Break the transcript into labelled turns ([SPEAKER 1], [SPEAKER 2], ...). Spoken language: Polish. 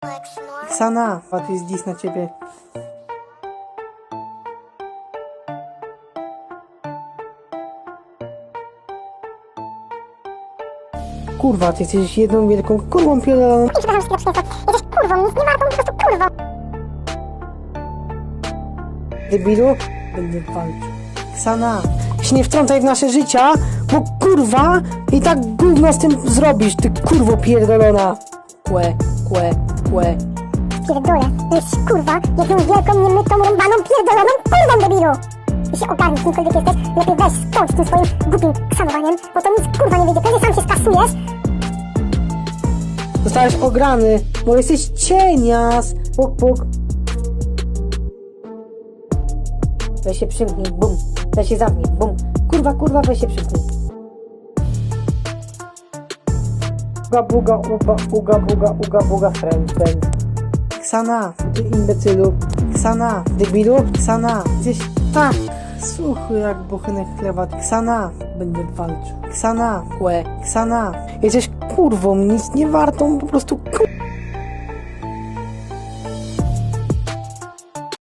[SPEAKER 1] Ksana, a to jest dis na ciebie. Kurwa, ty jesteś jedną wielką kurwą pierdoloną.
[SPEAKER 2] Przepraszam, że jesteś kurwą, nic nie wartą, po prostu kurwą.
[SPEAKER 1] Debilu, będę walczył. Ksana, się nie wtrącaj w nasze życia, bo kurwa i tak gówno z tym zrobisz, ty kurwo pierdolona. Kłe.
[SPEAKER 2] Pierdolę, to jest kurwa, jedną wielką, niemytą, rąbaną, pierdoloną kurwą, debilu. I się ogarnij, kimkolwiek jesteś, lepiej weź skończ tym swoim głupim ksanowaniem, bo to nic kurwa nie wyjdzie, pewnie sam się skasujesz.
[SPEAKER 1] Zostałeś ograny, bo jesteś cienias. Puk. Weź się przymknij, bum. Weź się zamknij, bum. Kurwa, weź się przymknij. Uga, friend. Ksana, ty imbecylu. Ksana, debilu. Ksana, jesteś tak suchy jak buchenek chleba. Ksana, będę walczył. Ksana, Ksana, jesteś kurwą, nic nie wartą, po prostu